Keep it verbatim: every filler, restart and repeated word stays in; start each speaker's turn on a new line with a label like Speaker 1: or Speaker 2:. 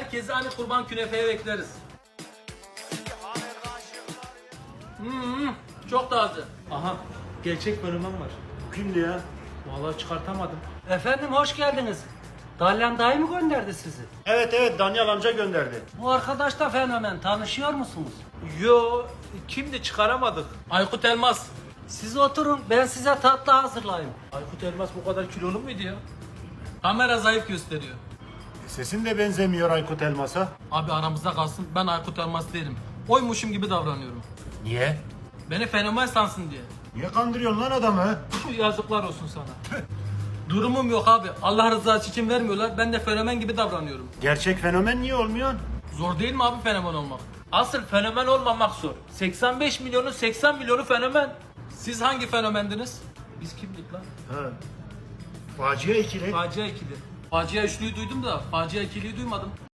Speaker 1: Herkesi hani kurban künefeye bekleriz. Hmm, çok taze.
Speaker 2: Aha, gerçek fenomen var.
Speaker 3: Kimdi ya?
Speaker 2: Vallahi çıkartamadım.
Speaker 4: Efendim hoş geldiniz. Dalyan dayı mı gönderdi sizi?
Speaker 3: Evet evet Danyal amca gönderdi.
Speaker 4: Bu arkadaş da fenomen. Tanışıyor musunuz?
Speaker 2: Yo, kimdi çıkaramadık.
Speaker 1: Aykut Elmas.
Speaker 4: Siz oturun ben size tatlı hazırlayayım.
Speaker 2: Aykut Elmas bu kadar kilolu muydu ya?
Speaker 1: Kamera zayıf gösteriyor.
Speaker 3: Sesin de benzemiyor Aykut Elmas'a.
Speaker 1: Abi aramızda kalsın, ben Aykut Elmas değilim. Oymuşum gibi davranıyorum.
Speaker 3: Niye?
Speaker 1: Beni fenomen sansın diye.
Speaker 3: Niye kandırıyorsun lan adamı?
Speaker 1: Puh, yazıklar olsun sana. Durumum yok abi. Allah rızası için vermiyorlar. Ben de fenomen gibi davranıyorum.
Speaker 3: Gerçek fenomen niye olmuyorsun?
Speaker 1: Zor değil mi abi fenomen olmak?
Speaker 2: Asıl fenomen olmamak zor. seksen beş milyonun seksen milyonu fenomen.
Speaker 1: Siz hangi fenomendiniz?
Speaker 2: Biz kimdik lan?
Speaker 3: Ha. Facia ikili.
Speaker 1: Facia ikili. Facia üçlüyü duydum da facia ikiliyi duymadım.